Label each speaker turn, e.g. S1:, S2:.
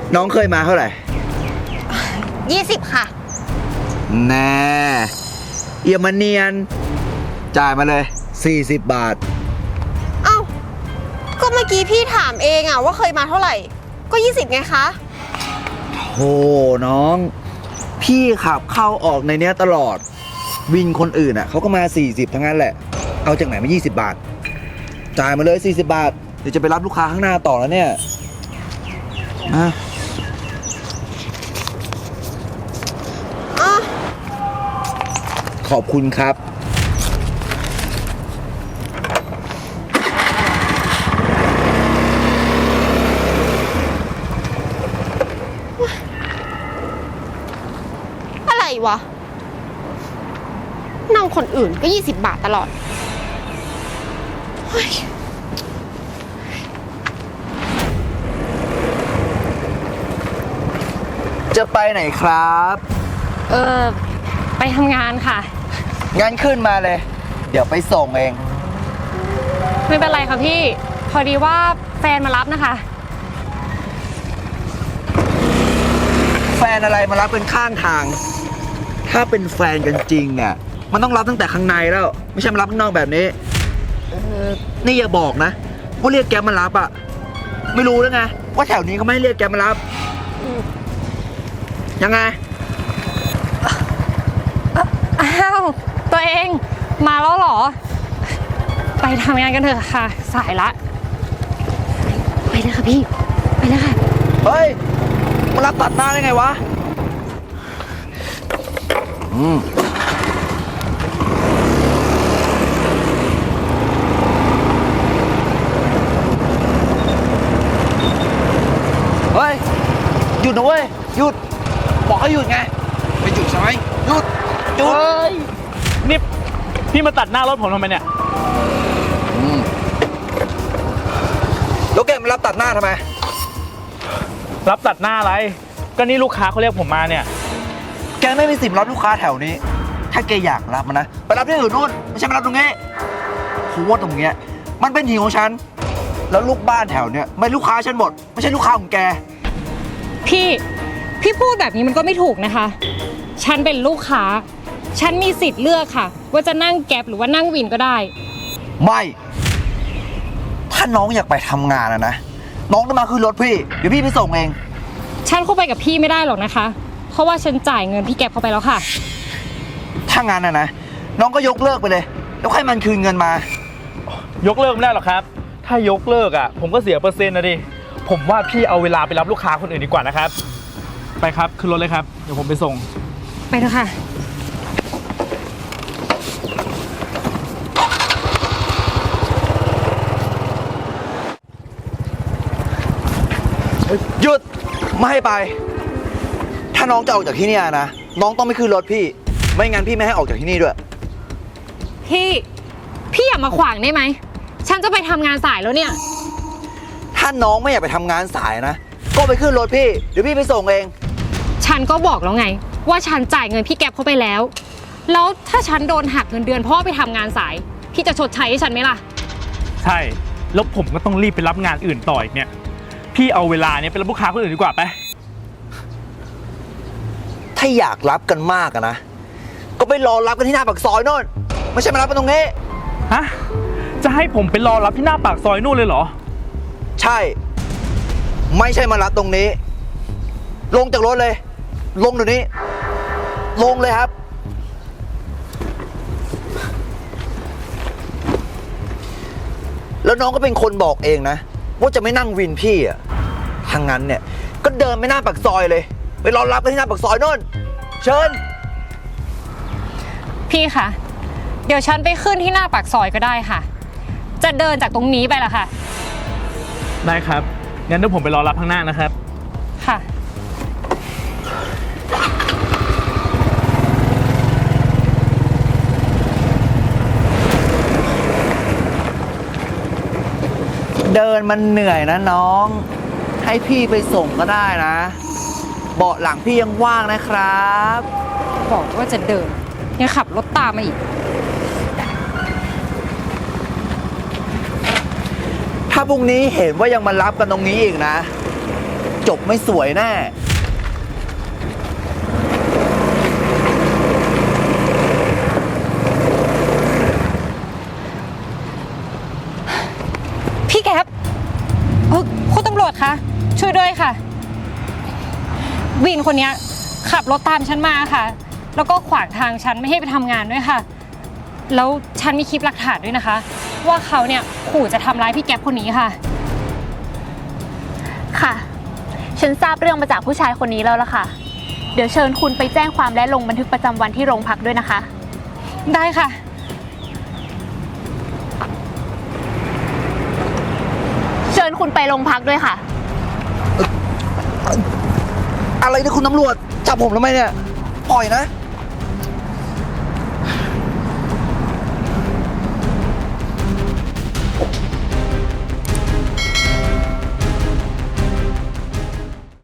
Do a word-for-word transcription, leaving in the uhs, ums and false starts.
S1: น้องเคยมาเท่าไหร่
S2: ยี่สิบค่ะ
S1: แน่เอียมันเนียนจ่ายมาเลยสี่สิบบาท
S2: เอ้าก็เมื่อกี้พี่ถามเองอะว่าเคยมาเท่าไหร่ก็ยี่สิบไงคะ
S1: โธ่น้องพี่ขับเข้าออกในเนี้ยตลอดวินคนอื่นอ่ะเขาก็มาสี่สิบทั้งนั้นแหละเอาจากไหนมายี่สิบบาทจ่ายมาเลยสี่สิบบาทเดี๋ยวจะไปรับลูกค้าข้างหน้าต่อแล้วเนี่ยนะขอบคุณครับ
S2: อะไรวะนั่งคนอื่นก็ยี่สิบบาทตลอด
S1: จะไปไหนครับ
S3: เออไปทำงานค่ะ
S1: งั้นขึ้นมาเลยเดี๋ยวไปส่งเอง
S3: ไม่เป็นไรค่ะพี่พอดีว่าแฟนมารับนะคะ
S1: แฟนอะไรมารับเป็นข้างทางถ้าเป็นแฟนกันจริงเนี่ยมันต้องรับตั้งแต่ข้างในแล้วไม่ใช่มารับข้างนอกแบบนี้เออนี่อย่าบอกนะว่าเรียกแกมารับอะไม่รู้แล้วไงว่าแถวนี้เขาไม่ให้เรียกแกมารับยังไง
S3: อ้าวตัวเองมาแล้วเหรอไปทำงานกันเถอะค่ะสายละไปเลยค่ะพี่ไปเลยค่ะ
S1: เฮ้ยมารับตัดหน้าได้ไงวะอืมเฮ้ยหยุดนะเว้ยหยุดบอกให้หยุดไงไม่หยุดใช่ไหมหยุดหยุด
S4: เฮ้ยนี่พี่มาตัดหน้ารถผมทำไมเนี่ย
S1: แล้วแกมารับตัดหน้าทำไม
S4: รับตัดหน้าอะไรก็นี่ลูกค้าเขาเรียกผมมาเนี่ย
S1: แกไม่มีสิทธิ์รับลูกค้าแถวนี้ถ้าแกอยากรับมันนะไปรับที่อื่นนู่นไม่ใช่มารับตรงนี้เพราะว่าตรงเนี้ยมันเป็นที่ของฉันแล้วลูกบ้านแถวเนี้ยไม่ลูกค้าฉันหมดไม่ใช่ลูกค้าของแก
S3: พี่พี่พูดแบบนี้มันก็ไม่ถูกนะคะฉันเป็นลูกค้าฉันมีสิทธิ์เลือกค่ะว่าจะนั่งแก๊ปหรือว่านั่งวินก็ได้
S1: ไม่ถ้าน้องอยากไปทำงานอะนะน้องต้องมาขึ้นรถพี่เดี๋ยวพี่ไปส่งเอง
S3: ฉันเข้าไปกับพี่ไม่ได้หรอกนะคะเพราะว่าฉันจ่ายเงินพี่แก๊ปเข้าไปแล้วค่ะ
S1: ถ้างานอะนะน้องก็ยกเลิกไปเลยแล้วให้มันคืนเงินมาย
S4: กเลิกไม่ได้หรอกครับถ้ายกเลิกอ่ะผมก็เสียเปอร์เซ็นต์นะดิผมว่าพี่เอาเวลาไปรับลูกค้าคนอื่นดีกว่านะครับไปครับขึ้นรถเลยครับเดี๋ยวผมไปส่ง
S3: ไปเถอะค่ะ
S1: หยุดไม่ให้ไปถ้าน้องจะออกจากที่นี่นะน้องต้องไม่ขึ้นรถพี่ไม่งั้นพี่ไม่ให้ออกจากที่นี่ด้วย
S3: พี่พี่อย่ามาขวางได้ไหมฉันจะไปทำงานสายแล้วเนี่ย
S1: ถ้าน้องไม่อยากไปทำงานสายนะก็ไปขึ้นรถพี่เดี๋ยวพี่ไปส่งเอง
S3: ฉันก็บอกแล้วไงว่าฉันจ่ายเงินพี่แก๊ปเข้าไปแล้วแล้วถ้าฉันโดนหักเงินเดือนเพราะไปทำงานสายพี่จะชดใช้ให้ฉันไหมล่ะ
S4: ใช่แล้วผมก็ต้องรีบไปรับงานอื่นต่ออีกเนี่ยพี่เอาเวลาเนี้ยไปรับลูกค้าคนอื่นดีกว่าไป
S1: ถ้าอยากรับกันมากนะก็ไปรอรับกันที่หน้าปากซอยโน่นไม่ใช่มารับกันตรงนี้
S4: ฮะจะให้ผมไปรอรับที่หน้าปากซอยนู่นเลยเหรอ
S1: ใช่ไม่ใช่มารับตรงนี้ลงจากรถเลยลงเดี๋ยวนี้ลงเลยครับแล้วน้องก็เป็นคนบอกเองนะว่าจะไม่นั่งวินพี่อ่ะทางนั้นเนี่ยก็เดินไปหน้าปากซอยเลยไปรอรับกันที่หน้าปากซอยโน่นเชิญ
S3: พี่คะเดี๋ยวฉันไปขึ้นที่หน้าปากซอยก็ได้ค่ะจะเดินจากตรงนี้ไปล่ะค่ะ
S4: ได้ครับงั้นเดี๋ยวผมไปรอรับข้างหน้านะครับ
S3: ค่ะ
S1: เดินมันเหนื่อยนะน้องให้พี่ไปส่งก็ได้นะเบาะหลังพี่ยังว่างนะครับ
S3: บอกว่าจะเดินยังขับรถตามมาอีก
S1: ถ้าพรุ่งนี้เห็นว่ายังมารับกันตรงนี้อีกนะจบไม่สวยแน่
S3: พี่แก๊ปเอ่อคุณตำรวจคะช่วยด้วยค่ะ วินคนเนี้ยขับรถตามฉันมาค่ะ แล้วก็ขวางทางฉันไม่ให้ไปทำงานด้วยค่ะ แล้วฉันมีคลิปหลักฐานด้วยนะคะ ว่าเขาเนี่ยขู่จะทำร้ายพี่แก๊ปคนนี้ค่ะ
S5: ค่ะ ฉันทราบเรื่องมาจากผู้ชายคนนี้แล้วล่ะค่ะ เดี๋ยวเชิญคุณไปแจ้งความและลงบันทึกประจำวันที่โรงพักด้วยนะคะ
S3: ได้ค่ะ
S5: เชิญคุณไปโรงพักด้วยค่ะ
S1: อะไรเนี่ยคุณตำรวจ จับผมทำไมเนี่ย ปล่อยนะ